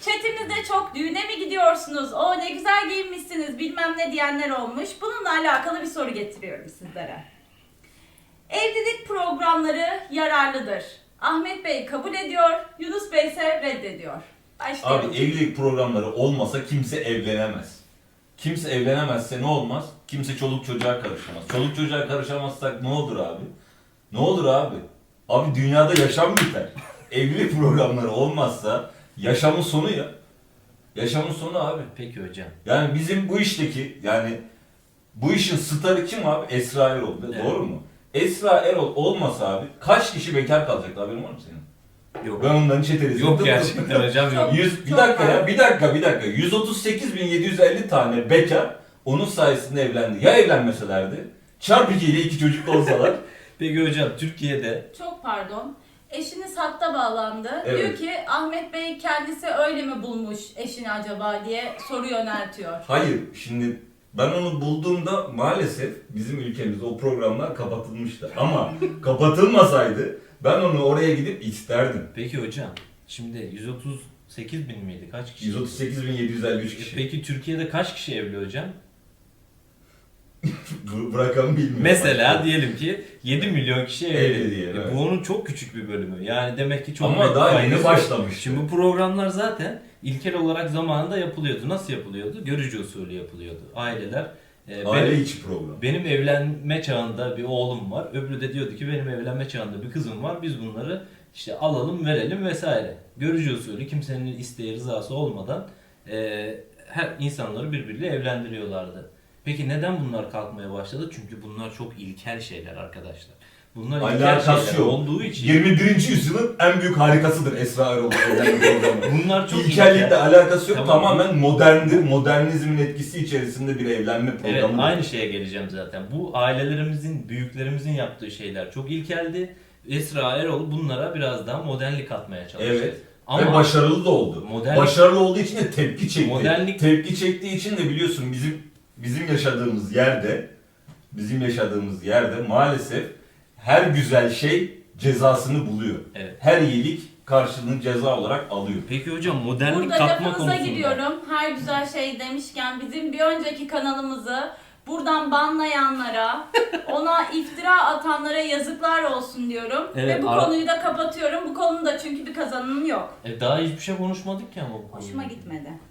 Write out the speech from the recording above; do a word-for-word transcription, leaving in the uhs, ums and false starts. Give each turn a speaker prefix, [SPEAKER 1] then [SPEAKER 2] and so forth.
[SPEAKER 1] chatimizde çok düğüne mi gidiyorsunuz? O ne güzel giyinmişsiniz bilmem ne diyenler olmuş. Bununla alakalı bir soru getiriyorum sizlere. Evlilik programları yararlıdır. Ahmet Bey kabul ediyor, Yunus Bey ise reddediyor. Başlayalım.
[SPEAKER 2] Abi evlilik programları olmasa kimse evlenemez. Kimse evlenemezse ne olmaz? Kimse çoluk çocuğa karışamaz. Çoluk çocuğa karışamazsak ne olur abi? Ne olur abi? Abi dünyada yaşam biter. Evlilik programları olmazsa yaşamın sonu ya. Yaşamın sonu abi.
[SPEAKER 3] Peki hocam.
[SPEAKER 2] Yani bizim bu işteki yani bu işin starı kim abi? Esra Erol.
[SPEAKER 3] Evet.
[SPEAKER 2] Doğru mu? Esra Erol olmasa abi kaç kişi bekar kalacak haberin var mı senin?
[SPEAKER 3] Yok.
[SPEAKER 2] Ben onların çetelesi.
[SPEAKER 3] Yok gerçekten hocam yok.
[SPEAKER 2] yüz, bir dakika ya, bir dakika, bir dakika. yüz otuz sekiz bin yedi yüz elli tane bekar onun sayesinde evlendi. Ya evlenmeselerdi? Çarpı iki ile iki çocuk da olsalar.
[SPEAKER 3] Peki hocam Türkiye'de
[SPEAKER 1] Çok pardon. Eşiniz hatta bağlandı.
[SPEAKER 2] Evet.
[SPEAKER 1] Diyor ki Ahmet Bey kendisi öyle mi bulmuş eşini acaba diye soru yöneltiyor.
[SPEAKER 2] Hayır, şimdi ben onu bulduğumda maalesef bizim ülkemizde o programlar kapatılmıştı. Ama kapatılmasaydı ben onu oraya gidip isterdim.
[SPEAKER 3] peki hocam şimdi yüz otuz sekiz bin miydi? Kaç kişi?
[SPEAKER 2] yüz otuz sekiz bin yedi yüz elli üç kişi.
[SPEAKER 3] Peki Türkiye'de kaç kişi evli hocam?
[SPEAKER 2] Bu, bu rakamı bilmiyorum.
[SPEAKER 3] Mesela diyelim ki yedi milyon kişi evli.
[SPEAKER 2] Evli diye,
[SPEAKER 3] E,
[SPEAKER 2] evet.
[SPEAKER 3] Bu onun çok küçük bir bölümü. Yani demek ki çok
[SPEAKER 2] Ama
[SPEAKER 3] büyük
[SPEAKER 2] daha
[SPEAKER 3] bir
[SPEAKER 2] yeni
[SPEAKER 3] faydası
[SPEAKER 2] başlamış.
[SPEAKER 3] yok. Şimdi bu programlar zaten ilkel olarak zamanında yapılıyordu. Nasıl yapılıyordu? Görücü usulü yapılıyordu. Aileler e,
[SPEAKER 2] Aile
[SPEAKER 3] benim,
[SPEAKER 2] içi program.
[SPEAKER 3] benim evlenme çağında bir oğlum var. Öbürü de diyordu ki benim evlenme çağında bir kızım var. Biz bunları işte alalım, verelim vesaire. Görücü usulü kimsenin isteği, rızası olmadan e, her insanları birbiriyle evlendiriyorlardı. Peki neden bunlar kalkmaya başladı? Çünkü bunlar çok ilkel şeyler arkadaşlar. Bunlar ilkel
[SPEAKER 2] Alakası
[SPEAKER 3] şeyler
[SPEAKER 2] yok.
[SPEAKER 3] olduğu için
[SPEAKER 2] yirmi birinci yüzyılın en büyük harikasıdır Esra Erol'un evlenme programı.
[SPEAKER 3] bunlar çok
[SPEAKER 2] İlkellikle
[SPEAKER 3] ilkel.
[SPEAKER 2] alakası yok.
[SPEAKER 3] Tamam.
[SPEAKER 2] Tamamen moderndir. Modernizmin etkisi içerisinde bir evlenme
[SPEAKER 3] Evet,
[SPEAKER 2] programı.
[SPEAKER 3] aynı şeye geleceğim zaten. Bu ailelerimizin, büyüklerimizin yaptığı şeyler çok ilkeldi. Esra Erol bunlara biraz daha modernlik katmaya çalıştı.
[SPEAKER 2] Evet.
[SPEAKER 3] Ama
[SPEAKER 2] Ve başarılı da oldu.
[SPEAKER 3] Modernlik-
[SPEAKER 2] Başarılı olduğu için de tepki çekti.
[SPEAKER 3] Modernlik-
[SPEAKER 2] Tepki çektiği için de biliyorsun bizim bizim yaşadığımız yerde bizim yaşadığımız yerde maalesef her güzel şey cezasını buluyor.
[SPEAKER 3] Evet.
[SPEAKER 2] Her iyilik karşılığını ceza olarak alıyor.
[SPEAKER 3] Peki hocam modernlik
[SPEAKER 1] Burada
[SPEAKER 3] katma
[SPEAKER 1] lafınıza
[SPEAKER 3] konusunda.
[SPEAKER 1] gidiyorum. Her güzel şey demişken bizim bir önceki kanalımızı buradan banlayanlara, ona iftira atanlara yazıklar olsun diyorum.
[SPEAKER 3] Evet,
[SPEAKER 1] Ve bu
[SPEAKER 3] ara-
[SPEAKER 1] konuyu da kapatıyorum. Bu konunun da çünkü bir kazanımı yok.
[SPEAKER 3] E, daha hiçbir şey konuşmadık ki ama bu
[SPEAKER 1] Hoşuma
[SPEAKER 3] konuda.
[SPEAKER 1] gitmedi.